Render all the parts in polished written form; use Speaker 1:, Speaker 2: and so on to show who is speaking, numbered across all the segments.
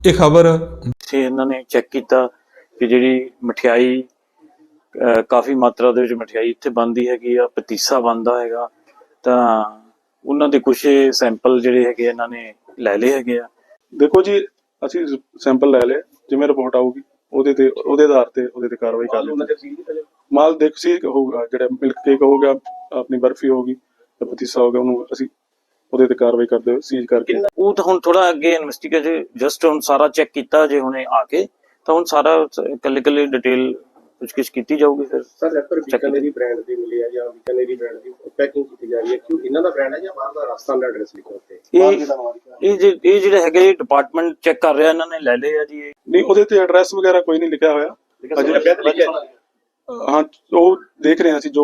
Speaker 1: ਇਹ ਖਬਰ
Speaker 2: ਇੱਥੇ ਇਹਨਾਂ ਨੇ ਚੈੱਕ ਕੀਤਾ ਕਿ ਜਿਹੜੀ ਮਠਿਆਈ ਕਾਫੀ ਮਾਤਰਾ ਦੇ ਵਿੱਚ ਮਠਿਆਈ ਇੱਥੇ ਬਣਦੀ ਹੈਗੀ ਆ, ਪਤੀਸਾ ਬਣਦਾ ਹੈਗਾ। ਤਾਂ ਉਹਨਾਂ ਦੇ ਕੁਝ ਸੈਂਪਲ ਜਿਹੜੇ ਹੈਗੇ ਇਹਨਾਂ ਨੇ ਲੈ ਲਏ ਹੈਗੇ ਆ।
Speaker 3: ਦੇਖੋ ਜੀ, ਅਸੀਂ ਸੈਂਪਲ ਲੈ ਲਏ, ਜਿਵੇਂ ਰਿਪੋਰਟ ਆਊਗੀ ਉਹਦੇ ਆਧਾਰ ਤੇ ਉਹਦੇ ਤੇ ਕਾਰਵਾਈ ਕਰ ਲਈ। ਮਾਲ ਦੇਖ ਸੀ ਹੋਊਗਾ, ਜਿਹੜਾ ਮਿਲਕ ਕੇਕ ਹੋ ਗਿਆ, ਆਪਣੀ ਬਰਫੀ ਹੋਗੀ, ਪਤੀਸਾ ਹੋ ਗਿਆ, ਉਹਨੂੰ ਅਸੀਂ ਉਹਦੇ ਤੇ ਕਾਰਵਾਈ ਕਰਦੇ ਹੋਏ ਸੀਜ਼ ਕਰਕੇ।
Speaker 2: ਉਹ ਤਾਂ ਹੁਣ ਥੋੜਾ ਅੱਗੇ ਇਨਵੈਸਟੀਗੇਟ ਜਸਟ ਹੁਣ ਸਾਰਾ ਚੈੱਕ ਕੀਤਾ ਜੇ ਹੁਣੇ ਆ ਕੇ, ਤਾਂ ਹੁਣ ਸਾਰਾ ਕੱਲੇ ਡਿਟੇਲ ਪੁੱਛਗਿੱਛ ਕੀਤੀ ਜਾਊਗੀ। ਫਿਰ
Speaker 4: ਸਰ ਰੈਪਰ ਬੀਕਾਨੇਰੀ ਬ੍ਰਾਂਡ ਦੀ ਮਿਲੀ ਹੈ ਜਾਂ ਬੀਕਾਨੇਰੀ ਬ੍ਰਾਂਡ ਦੀ ਪੈਕਿੰਗ ਕੀਤੀ ਜਾ ਰਹੀ ਹੈ, ਕਿਉਂ ਇਹਨਾਂ ਦਾ ਬ੍ਰਾਂਡ ਹੈ ਜਾਂ ਬਾਹਰ ਦਾ ਰਾਜਸਥਾਨ ਦਾ ਐਡਰੈਸ ਲਿਖਿਆ ਉੱਤੇ?
Speaker 2: ਇਹ ਜਿਹੜੇ ਹੈਗੇ ਡਿਪਾਰਟਮੈਂਟ ਚੈੱਕ ਕਰ ਰਿਹਾ, ਇਹਨਾਂ ਨੇ ਲੈ ਲਏ ਆ ਜੀ।
Speaker 3: ਨਹੀਂ, ਉਹਦੇ ਤੇ ਐਡਰੈਸ ਵਗੈਰਾ ਕੋਈ ਨਹੀਂ ਲਿਖਿਆ ਹੋਇਆ ਅਜੇ। ਹਾਂ, ਉਹ ਦੇਖ ਰਹੇ ਹਾਂ ਅਸੀਂ ਜੋ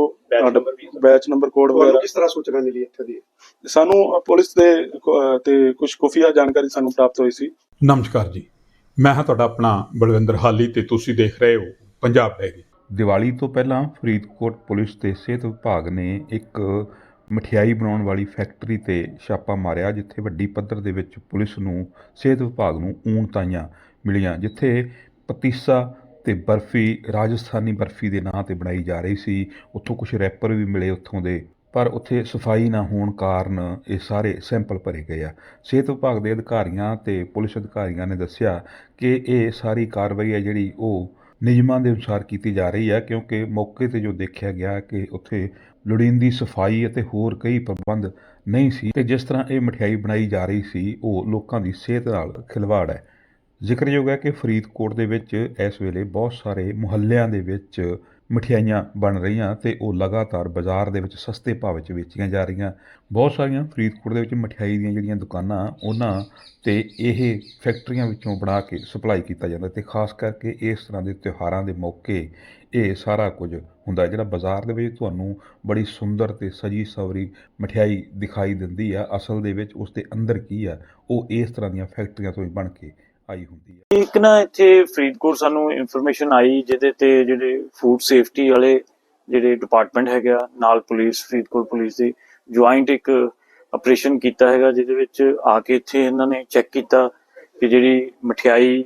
Speaker 3: ਬੈਚ ਨੰਬਰ ਕੋਡ ਵਗੈਰਾ।
Speaker 4: ਕਿਸ ਤਰ੍ਹਾਂ ਸੂਚਨਾ ਮਿਲੀ ਇੱਥੇ ਦੀ?
Speaker 3: ਸਾਨੂੰ ਪੁਲਿਸ ਦੇ ਤੇ ਕੁਝ ਖੁਫੀਆ ਜਾਣਕਾਰੀ ਸਾਨੂੰ ਪ੍ਰਾਪਤ ਹੋਈ ਸੀ।
Speaker 1: ਨਮਸਕਾਰ ਜੀ, ਮੈਂ ਹਾਂ ਤੁਹਾਡਾ ਆਪਣਾ ਬਲਵਿੰਦਰ ਹਾਲੀ ਤੇ ਤੁਸੀਂ ਦੇਖ ਰਹੇ ਹੋ ਪੰਜਾਬ ਡਾਇਰੀ।
Speaker 5: ਦੀਵਾਲੀ ਤੋਂ ਪਹਿਲਾਂ ਫਰੀਦਕੋਟ ਪੁਲਿਸ ਤੇ ਸਿਹਤ ਵਿਭਾਗ ਨੇ ਇੱਕ ਮਠਿਆਈ ਬਣਾਉਣ ਵਾਲੀ ਫੈਕਟਰੀ ਤੇ ਛਾਪਾ ਮਾਰਿਆ, ਜਿੱਥੇ ਵੱਡੀ ਪੱਧਰ ਦੇ ਵਿੱਚ ਪੁਲਿਸ ਨੂੰ ਸਿਹਤ ਵਿਭਾਗ ਨੂੰ ਊਣਤਾਈਆਂ ਮਿਲੀਆਂ, ਜਿੱਥੇ ਪਤੀਸਾ ਤੇ ਬਰਫੀ ਰਾਜਸਥਾਨੀ ਬਰਫੀ ਦੇ ਨਾਂ ਤੇ ਬਣਾਈ ਜਾ ਰਹੀ ਸੀ। ਉੱਥੋਂ ਕੁਝ ਰੈਪਰ ਵੀ ਮਿਲੇ ਉੱਥੋਂ ਦੇ, ਪਰ ਉੱਥੇ ਸਫਾਈ ਨਾ ਹੋਣ ਕਾਰਨ ਇਹ ਸਾਰੇ ਸੈਂਪਲ ਭਰੇ ਗਏ ਆ। ਸਿਹਤ ਵਿਭਾਗ ਦੇ ਅਧਿਕਾਰੀਆਂ ਤੇ ਪੁਲਿਸ ਅਧਿਕਾਰੀਆਂ ਨੇ ਦੱਸਿਆ ਕਿ ਇਹ ਸਾਰੀ ਕਾਰਵਾਈ ਹੈ ਜਿਹੜੀ ਉਹ ਨਿਯਮਾਂ ਦੇ ਅਨੁਸਾਰ ਕੀਤੀ ਜਾ ਰਹੀ ਹੈ, ਕਿਉਂਕਿ ਮੌਕੇ ਤੇ ਜੋ ਦੇਖਿਆ ਗਿਆ ਕਿ ਉੱਥੇ ਲੋੜੀਂਦੀ ਸਫਾਈ ਅਤੇ ਹੋਰ ਕਈ ਪ੍ਰਬੰਧ ਨਹੀਂ ਸੀ ਤੇ ਜਿਸ ਤਰ੍ਹਾਂ ਇਹ ਮਠਿਆਈ ਬਣਾਈ ਜਾ ਰਹੀ ਸੀ ਉਹ ਲੋਕਾਂ ਦੀ ਸਿਹਤ ਨਾਲ ਖਿਲਵਾੜ ਹੈ। ਜ਼ਿਕਰਯੋਗ ਹੈ ਕਿ ਫਰੀਦਕੋਟ ਦੇ ਵਿੱਚ ਇਸ ਵੇਲੇ ਬਹੁਤ ਸਾਰੇ ਮੁਹੱਲਿਆਂ ਦੇ ਵਿੱਚ ਮਠਿਆਈਆਂ ਬਣ ਰਹੀਆਂ ਤੇ ਉਹ ਲਗਾਤਾਰ ਬਾਜ਼ਾਰ ਦੇ ਵਿੱਚ ਸਸਤੇ ਭਾਅ ਵਿੱਚ ਵੇਚੀਆਂ ਜਾ ਰਹੀਆਂ। ਬਹੁਤ ਸਾਰੀਆਂ ਫਰੀਦਕੋਟ ਦੇ ਵਿੱਚ ਮਠਿਆਈ ਦੀਆਂ ਜਿਹੜੀਆਂ ਦੁਕਾਨਾਂ ਉਹਨਾਂ ਤੇ ਇਹ ਫੈਕਟਰੀਆਂ ਵਿੱਚੋਂ ਬਣਾ ਕੇ ਸਪਲਾਈ ਕੀਤਾ ਜਾਂਦਾ ਤੇ ਖਾਸ ਕਰਕੇ ਇਸ ਤਰ੍ਹਾਂ ਦੇ ਤਿਉਹਾਰਾਂ ਦੇ ਮੌਕੇ ਇਹ ਸਾਰਾ ਕੁਝ ਹੁੰਦਾ। ਜਿਹੜਾ ਬਾਜ਼ਾਰ ਦੇ ਵਿੱਚ ਤੁਹਾਨੂੰ ਬੜੀ ਸੁੰਦਰ ਤੇ ਸਜੀ ਸਵਰੀ ਮਠਿਆਈ ਦਿਖਾਈ ਦਿੰਦੀ ਆ, ਅਸਲ ਦੇ ਵਿੱਚ ਉਸ ਦੇ ਅੰਦਰ ਕੀ ਆ, ਉਹ ਇਸ ਤਰ੍ਹਾਂ ਦੀਆਂ ਫੈਕਟਰੀਆਂ ਤੋਂ ਹੀ ਬਣ ਕੇ ਆਈ ਹੁੰਦੀ ਹੈ।
Speaker 2: ਇੱਕ ਨਾ ਇੱਥੇ ਫਰੀਦਕੋਟ ਸਾਨੂੰ ਇਨਫੋਰਮੇਸ਼ਨ ਆਈ, ਜਿਹਦੇ ਤੇ ਜਿਹੜੇ ਫੂਡ ਸੇਫਟੀ ਵਾਲੇ ਜਿਹੜੇ ਡਿਪਾਰਟਮੈਂਟ ਹੈਗਾ ਨਾਲ ਪੁਲਿਸ, ਫਰੀਦਕੋਟ ਪੁਲਿਸ ਦੀ ਜੁਆਇੰਟ ਇੱਕ ਆਪਰੇਸ਼ਨ ਕੀਤਾ ਹੈਗਾ, ਜਿਹਦੇ ਵਿੱਚ ਆ ਕੇ ਇੱਥੇ ਇਹਨਾਂ ਨੇ ਚੈੱਕ ਕੀਤਾ ਕਿ ਜਿਹੜੀ ਮਠਿਆਈ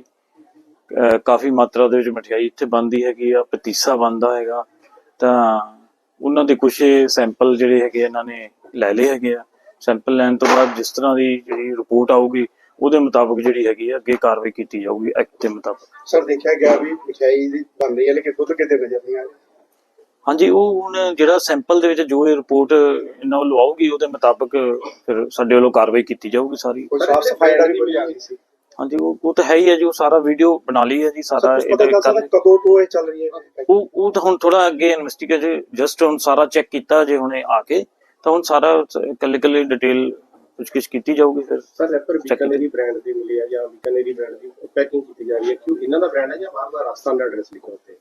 Speaker 2: ਕਾਫੀ ਮਾਤਰਾ ਦੇ ਵਿੱਚ ਮਠਿਆਈ ਇੱਥੇ ਬਣਦੀ ਹੈਗੀ ਆ, ਪਤੀਸਾ ਬਣਦਾ ਹੈਗਾ। ਤਾਂ ਉਹਨਾਂ ਦੇ ਕੁਝ ਸੈਂਪਲ ਜਿਹੜੇ ਹੈਗੇ ਇਹਨਾਂ ਨੇ ਲੈ ਲਏ ਹੈਗੇ ਆ। ਸੈਂਪਲ ਲੈਣ ਤੋਂ ਬਾਅਦ ਜਿਸ ਤਰ੍ਹਾਂ ਦੀ ਜਿਹੜੀ ਰਿਪੋਰਟ ਆਊਗੀ ਉਹਦੇ ਮੁਤਾਬਕ ਜਿਹੜੀ ਹੈਗੀ ਆ ਅੱਗੇ ਕਾਰਵਾਈ ਕੀਤੀ ਜਾਊਗੀ ਐਕਟ ਦੇ ਮੁਤਾਬਕ।
Speaker 4: ਸਰ ਦੇਖਿਆ ਗਿਆ ਵੀ ਮਠਿਆਈ ਦੀ ਬਣ ਰਹੀ ਹੈ ਲੇਕਿਨ ਦੁੱਧ ਕਿਤੇ ਨਜ਼ਰ ਨਹੀਂ ਆ ਰਿਹਾ।
Speaker 2: ਹਾਂਜੀ, ਉਹ ਹੁਣ ਜਿਹੜਾ ਸੈਂਪਲ ਦੇ ਵਿੱਚ ਜੋ ਇਹ ਰਿਪੋਰਟ ਇਹਨਾਂ ਵੱਲੋਂ ਆਊਗੀ ਉਹਦੇ ਮੁਤਾਬਕ ਫਿਰ ਸਾਡੇ ਵੱਲੋਂ ਕਾਰਵਾਈ ਕੀਤੀ ਜਾਊਗੀ ਸਾਰੀ।
Speaker 4: ਕੋਈ ਸਾਫ ਸਫਾਈ ਦਾ ਵੀ ਕੋਈ ਆ ਰਹੀ ਸੀ?
Speaker 2: ਹਾਂਜੀ, ਉਹ ਤਾਂ ਹੈ ਹੀ ਹੈ ਜੀ, ਉਹ ਸਾਰਾ ਵੀਡੀਓ ਬਣਾ ਲਈ ਹੈ ਜੀ ਸਾਰਾ।
Speaker 4: ਕਦੋਂ ਤੋਂ ਇਹ ਚੱਲ ਰਹੀ ਹੈ?
Speaker 2: ਉਹ ਤਾਂ ਹੁਣ ਥੋੜਾ ਅੱਗੇ ਇਨਵੈਸਟੀਗੇਟ ਜਸਟ ਹੁਣ ਸਾਰਾ ਚੈੱਕ ਕੀਤਾ ਜੇ ਹੁਣੇ ਆ ਕੇ, ਤਾਂ ਹੁਣ ਸਾਰਾ ਕੱਲੇ ਡਿਟੇਲ ਪੁੱਛਗਿੱਛ ਕੀਤੀ ਜਾਊਗੀ। ਫਿਰ
Speaker 4: ਸਰ ਰੈਪਰ ਬੀਕਾਨੇਰੀ ਬ੍ਰਾਂਡ ਦੀ ਮਿਲੀ ਹੈ ਜਾਂ ਬੀਕਾਨੇਰੀ ਬ੍ਰਾਂਡ ਦੀ ਪੈਕਿੰਗ ਕੀਤੀ ਜਾ ਰਹੀ ਹੈ, ਕਿਉਂ ਇਹਨਾਂ ਦਾ ਬ੍ਰਾਂਡ ਹੈ ਜਾਂ ਬਾਹਰ ਦਾ ਰਾਜਸਥਾਨ ਦਾ ਐਡਰੈਸ ਲਿਖਿਆ ਉੱਤੇ?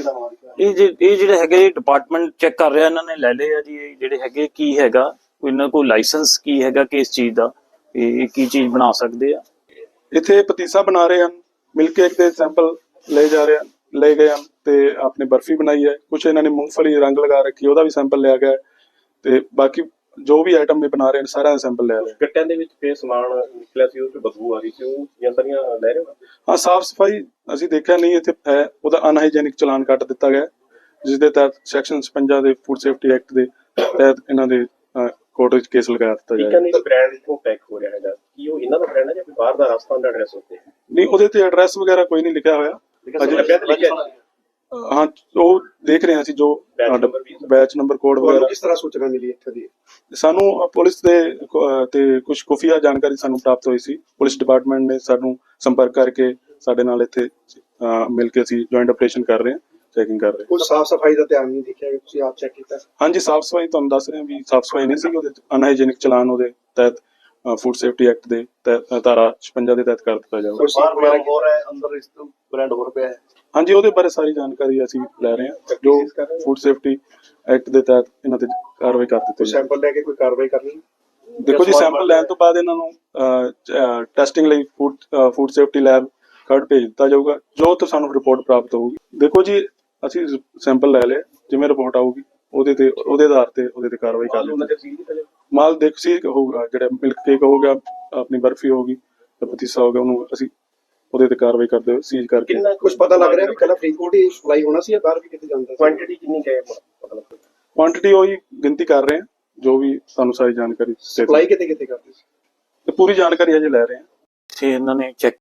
Speaker 2: ਇਹ ਜਿਹੜੇ ਹੈਗੇ ਡਿਪਾਰਟਮੈਂਟ ਚੈੱਕ ਕਰ ਰਿਹਾ, ਇਹਨਾਂ ਨੇ ਲੈ ਲਏ ਆ ਜੀ। ਇਹ ਜਿਹੜੇ ਹੈਗੇ ਕੀ ਹੈਗਾ, ਇਹਨਾਂ ਕੋਲ ਲਾਇਸੈਂਸ ਕੀ ਹੈਗਾ ਕਿਸ ਚੀਜ਼ ਦਾ, ਇਹ ਕੀ ਚੀਜ਼ ਬਣਾ ਸਕਦੇ ਆ।
Speaker 3: ਇੱਥੇ ਪਤੀਸਾ ਬਣਾ ਰਹੇ ਹਨ, ਮਿਲਕ ਕੇਕ ਦੇ ਸੈਂਪਲ ਲੈ ਗਏ ਹਨ ਤੇ ਆਪਣੀ ਬਰਫੀ ਬਣਾਈ ਹੈ। ਕੁਝ ਇਹਨਾਂ ਨੇ ਮੂੰਗਫਲੀ ਰੰਗ ਲਗਾ ਰੱਖੀ, ਉਹਦਾ ਵੀ ਸੈਂਪਲ ਲਿਆ ਗਿਆ ਤੇ ਬਾਕੀ ਜੋ ਵੀ ਆਈਟਮ ਵੀ ਬਣਾ ਰਹੇ ਨੇ ਸਾਰਿਆਂ ਦਾ ਸੈਂਪਲ ਲਿਆ ਲਿਆ।
Speaker 4: ਗੱਟਿਆਂ ਦੇ ਵਿੱਚ ਫੇਰ ਸਮਾਨ ਨਿਕਲਿਆ ਸੀ, ਉਹ ਚ ਬਦਬੂ ਆ ਰਹੀ ਸੀ, ਉਹ ਯੰਤਰੀਆਂ ਲੈ ਰਹੇ ਹੋ?
Speaker 3: ਹਾਂ, ਸਾਫ ਸਫਾਈ ਅਸੀਂ ਦੇਖਿਆ ਨਹੀਂ ਇੱਥੇ ਹੈ, ਉਹਦਾ ਅਨਹਾਈਜੈਨਿਕ ਚਲਾਨ ਕੱਟ ਦਿੱਤਾ ਗਿਆ, ਜਿਸ ਦੇ ਤਹਿਤ ਸੈਕਸ਼ਨ 56 ਦੇ ਫੂਡ ਸੇਫਟੀ ਐਕਟ ਦੇ ਤਹਿਤ ਇਹਨਾਂ ਦੇ ਕੋਰਟ ਵਿੱਚ ਕੇਸ ਲਗਾ ਦਿੱਤਾ ਜਾਏਗਾ।
Speaker 4: ਬੀਕਾਨੇਰੀ ਬ੍ਰਾਂਡ ਤੋਂ ਪੈਕ ਹੋ ਰਿਹਾ ਹੈਗਾ, ਕੀ ਉਹ ਇਹਨਾਂ ਦਾ ਬ੍ਰਾਂਡ ਹੈ ਜਾਂ ਕੋਈ ਬਾਹਰ ਦਾ ਰਾਜਸਥਾਨ ਦਾ ਐਡਰੈਸ ਉੱਤੇ?
Speaker 3: ਨਹੀਂ, ਉਹਦੇ ਤੇ ਐਡਰੈਸ ਵਗੈਰਾ ਕੋਈ ਨਹੀਂ ਲਿਖਿਆ ਹੋਇਆ ਅਜੇ। ਹਾਂ, ਉਹ ਦੇਖ ਰਹੇ ਹਾਂ ਅਸੀਂ ਜੋ ਬੈਚ ਨੰਬਰ ਕੋਡ ਵਗੈਰਾ।
Speaker 4: ਕਿਸ ਤਰ੍ਹਾਂ ਸੂਚਨਾ ਮਿਲੀ ਇੱਥੇ ਦੀ?
Speaker 3: ਸਾਨੂੰ ਪੁਲਿਸ ਦੇ ਤੇ ਕੁਝ ਖੁਫੀਆ ਜਾਣਕਾਰੀ ਸਾਨੂੰ ਪ੍ਰਾਪਤ ਹੋਈ ਸੀ। ਪੁਲਿਸ ਡਿਪਾਰਟਮੈਂਟ ਨੇ ਸਾਨੂੰ ਸੰਪਰਕ ਕਰਕੇ ਸਾਡੇ ਨਾਲ ਇੱਥੇ ਮਿਲ ਕੇ ਅਸੀਂ ਜੁਆਇੰਟ ਆਪਰੇਸ਼ਨ ਕਰ ਰਹੇ ਹਾਂ, ਚੈਕਿੰਗ ਕਰ ਰਹੇ ਹਾਂ।
Speaker 4: ਕੋਈ ਸਾਫ ਸਫਾਈ ਦਾ ਧਿਆਨ ਨਹੀਂ ਦੇਖਿਆ, ਤੁਸੀਂ ਆਪ ਚੈੱਕ ਕੀਤਾ?
Speaker 3: ਹਾਂਜੀ, ਸਾਫ ਸਫਾਈ ਤੁਹਾਨੂੰ ਦੱਸ ਰਹੇ ਹਾਂ ਵੀ ਸਾਫ ਸਫਾਈ ਨਹੀਂ ਸੀ, ਉਹਦੇ ਅਨਹਾਈਜੈਨਿਕ ਚਲਾਨ ਉਹਦੇ ਤਹਿਤ ਫੂਡ ਸੇਫਟੀ ਐਕਟ ਦੇ ਧਾਰਾ 56 ਦੇ ਤਹਿਤ ਕਰ ਦਿੱਤਾ ਜਾਊਗਾ।
Speaker 4: ਬ੍ਰਾਂਡ ਹੋਰ ਪਿਆ ਹੈ?
Speaker 3: ਹਾਂਜੀ, ਉਹਦੇ ਬਾਰੇ ਸਾਰੀ ਜਾਣਕਾਰੀ ਅਸੀਂ ਲੈ ਰਹੇ ਹਾਂ, ਜੋ ਫੂਡ ਸੇਫਟੀ ਐਕਟ ਦੇ ਤਹਿਤ ਇਹਨਾਂ ਤੇ ਕਾਰਵਾਈ ਕਰ ਦਿੱਤੀ ਜਾਊਗੀ।
Speaker 4: ਸੈਂਪਲ ਲੈ ਕੇ ਕੋਈ ਕਾਰਵਾਈ ਕਰਨੀ?
Speaker 3: ਦੇਖੋ ਜੀ, ਸੈਂਪਲ ਲੈਣ ਤੋਂ ਬਾਅਦ ਇਹਨਾਂ ਨੂੰ ਟੈਸਟਿੰਗ ਲਈ ਫੂਡ ਸੇਫਟੀ ਲੈਬ ਖਰੜ ਭੇਜ ਦਿੱਤਾ ਜਾਊਗਾ, ਜੋ ਤੋਂ ਸਾਨੂੰ ਰਿਪੋਰਟ ਪ੍ਰਾਪਤ ਹੋਊਗੀ। ਦੇਖੋ ਜੀ, ਅਸੀਂ ਸੈਂਪਲ ਲੈ ਲਏ, ਜਿਵੇਂ ਰਿਪੋਰਟ ਆਊਗੀ ਉਹਦੇ ਆਧਾਰ ਤੇ ਉਹਦੇ ਤੇ ਕਾਰਵਾਈ ਕਰ ਲਈ। ਮਾਲ ਦੇਖ ਸੀ ਹੋਊਗਾ, ਜਿਹੜਾ ਮਿਲਕ ਕੇਕ ਹੋ ਗਿਆ, ਆਪਣੀ ਬਰਫੀ ਹੋਗੀ, ਪਤੀਸਾ ਹੋ ਗਿਆ, ਉਹਨੂੰ ਅਸੀਂ ਉਹਦੇ ਤੇ ਕਾਰਵਾਈ ਕਰਦੇ ਹੋਏ ਸੀਜ਼ ਕਰਕੇ
Speaker 4: ਕਿੰਨਾ ਕੁਝ ਪਤਾ ਲੱਗ ਰਿਹਾ ਵੀ ਕੱਲਾ ਫਰੀਦਕੋਟ ਹੀ ਸਪਲਾਈ ਹੋਣਾ ਸੀ ਜਾਂ ਬਾਹਰ ਵੀ ਕਿਤੇ ਜਾਂਦਾ ਸੀ? ਕੁਆਂਟੀਟੀ ਕਿੰਨੀ ਹੈ ਪਤਾ ਲੱਗ
Speaker 3: ਕੁਆਂਟੀਟੀ ਉਹੀ ਗਿਣਤੀ ਕਰ ਰਹੇ ਹਾਂ, ਜੋ ਵੀ ਸਾਨੂੰ ਸਾਰੀ ਜਾਣਕਾਰੀ ਦੇ
Speaker 4: ਸਪਲਾਈ ਕਿਤੇ ਕਿਤੇ ਕਰਦੇ ਸੀ?
Speaker 3: ਤੇ ਪੂਰੀ ਜਾਣਕਾਰੀ ਅਜੇ ਲੈ ਰਹੇ ਹਾਂ।
Speaker 2: ਇੱਥੇ ਇਹਨਾਂ ਨੇ ਚੈੱਕ